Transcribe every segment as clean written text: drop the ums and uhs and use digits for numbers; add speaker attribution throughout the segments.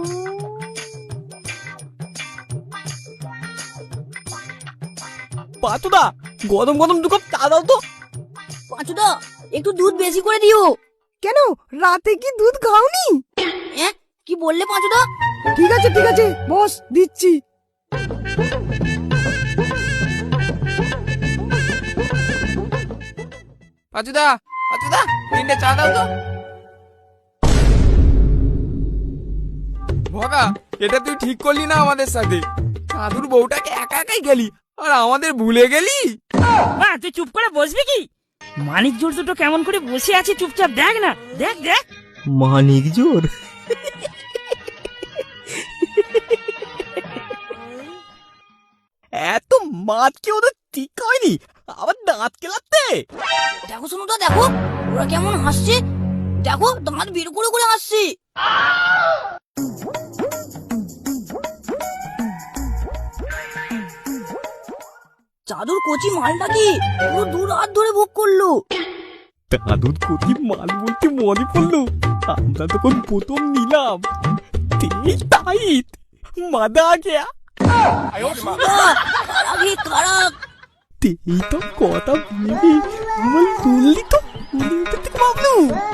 Speaker 1: পাঁচুদা, গরম গরম 2 কাপ চা দাও তো।
Speaker 2: পাঁচুদা, একটু দুধ বেশি করে দিও।
Speaker 3: কেন, রাতে কি দুধ খাওনি?
Speaker 2: কি বললে পাঁচুদা?
Speaker 3: ঠিক আছে বস, দিচ্ছি।
Speaker 4: পাঁচুদা, পাঁচুদা, 3টে চা দাও তো। ভগা, এটা তুই ঠিক করলি না আমাদের সাথে। দাদুর বউটাকে একা একাই গেলি আর আমাদের ভুলে গেলি।
Speaker 5: মা, তুই চুপ করে বসবি কি? মানিক জোর দুটো কেমন করে বসে আছে চুপচাপ, দেখ না, দেখ দেখ।
Speaker 1: মানিক জোর? এত মাছ কি ওদের ঠিক হয়নি, আবার দাঁত কেলাতে।
Speaker 2: দেখো শুনুদা, দেখো ওরা কেমন হাসছে। দেখো, দাঁত বের করে করে হাসছে। চাদর কচি মালটা কি পুরো 2 রাত ধরে ভোগ করলো।
Speaker 1: দাদুর কচি মাল বলতে মনে পড়লো, আমরা তখন প্রথম নিলাম, টাইট মাদা আ গেয়া।
Speaker 2: আগে কারাক
Speaker 1: এই তো কথা ভেবে আমার তুললি তো বাবলু।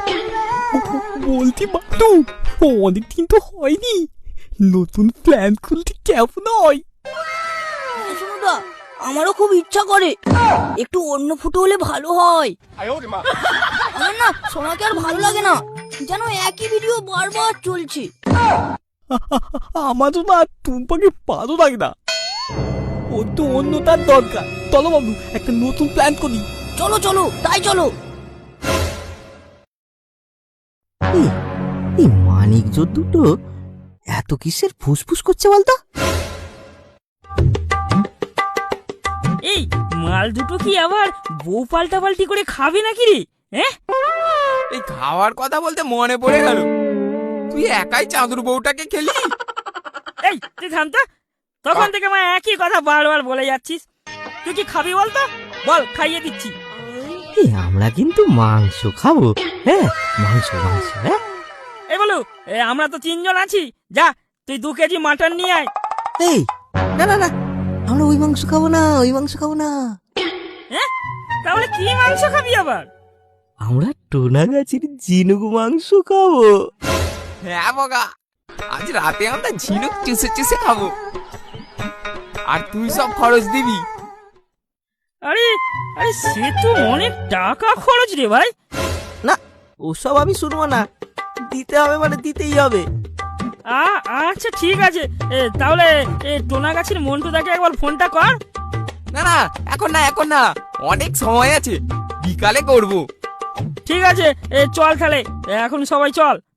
Speaker 1: বলছি বাবলু, অনেকদিন তো হয়নি, নতুন প্ল্যান খুলতে কেমন হয়?
Speaker 2: শুনুদা, আমারও খুব ইচ্ছা করে একটু অন্য ফুটো হলে ভালো হয়। আমার না সোনাকে আর ভালো লাগে না, যেন একই ভিডিও বারবার চলছে।
Speaker 1: আমারও না টুম্পাকে ভালো লাগে না, ওর তো অন্য তার দরকার। চলো বাবু, একটা নতুন প্ল্যান করি।
Speaker 2: চলো চলো, তাই চলো।
Speaker 6: এই মানিক জোর দুটো এত কিসের ফুসফুস করছে বলতো?
Speaker 5: এই মাল দুটো কি আবার বউ পাল্টাপাল্টি করে খাবে নাকি রে?
Speaker 4: এই খাওয়ার কথা বলতে মনে পড়ে গেল, তুই একাই চাঁদুর বউটাকে খেলি।
Speaker 5: এই তুই থাম তো, তখন থেকে মা একই কথা বারবার বলে যাচ্ছিস। তুই কি খাবি বলতো? বল, খাইয়ে দিচ্ছি।
Speaker 6: আমরা কিন্তু মাংস খাবো। হ্যাঁ, মাংস মাংস। হ্যাঁ,
Speaker 5: এই বলু, আমরা তো 3 জন আছি, যা তুই 2 কেজি মাটন নিয়ে আয়।
Speaker 6: এই না না না, আমরা ওই মাংস খাবো না, ওই মাংস খাবো না।
Speaker 5: তাহলে কি মাংস খাবি আবার?
Speaker 6: আমরা টোনা গাছের ঝিনুক মাংস খাবো।
Speaker 4: হ্যাঁ বগা, আজ রাতে আমরা ঝিনুক চুষে চুষে খাবো, আর তুই সব খরচ দিবি।
Speaker 5: আরে আরে, সে তো অনেক টাকা খরচ রে ভাই।
Speaker 6: না, ওসব আমি শুনবো না, দিতে হবে মানে দিতেই হবে।
Speaker 5: আচ্ছা ঠিক আছে, তাহলে টোনা গাছের মন্টুদাকে একবার ফোনটা কর।
Speaker 4: না না, এখন না, অনেক সময় আছে, বিকালে করবো।
Speaker 5: ঠিক আছে, চল তাহলে, এখন সবাই চল।